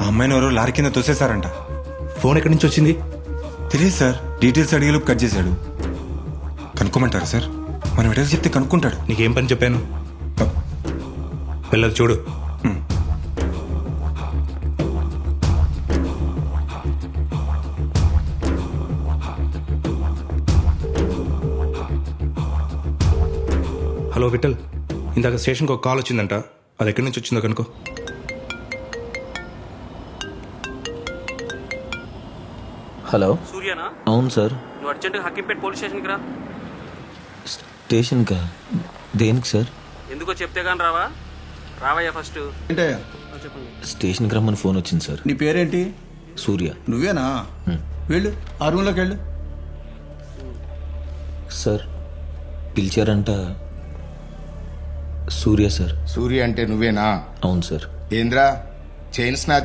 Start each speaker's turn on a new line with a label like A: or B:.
A: అమ్మాయిని ఎవరో లారీ కింద తోసేశారంట.
B: ఫోన్ ఎక్కడి నుంచి వచ్చింది?
A: తెలియదు సార్, డీటెయిల్స్ అడిగేలోపు కట్ చేశాడు. కనుక్కోమంటారా సార్? మనం ఎటైనా చెప్తే కనుక్కుంటాడు.
B: నీకేం పని చెప్పాను? వెళ్ళదు చూడు. హలో విఠల్, ఇందాక స్టేషన్కి ఒక కాల్ వచ్చిందంట. అది ఎక్కడి నుంచి వచ్చిందో కనుకో.
C: హలో,
D: సూర్యనా?
C: అవును సార్.
D: నువ్వు అర్జెంటుగా హక్కింపేట పోలీస్ స్టేషన్కి రా.
C: స్టేషన్కా? దేనికి సార్?
D: ఎందుకో చెప్తే కానీ రావా? రావయ్యా ఫస్ట్.
E: ఏంటయ్యా?
D: చెప్పండి.
C: స్టేషన్కి రమ్మని ఫోన్ వచ్చింది సార్.
E: నీ పేరేంటి?
C: సూర్య.
E: నువ్వేనా? వెళ్ళు, ఆ రూమ్లోకి వెళ్ళు.
C: సార్ పిలిచారంట. సూర్య సార్.
F: సూర్య అంటే నువ్వేనా?
C: అవును సార్.
F: ఏంద్రా చైన్ స్నాచ్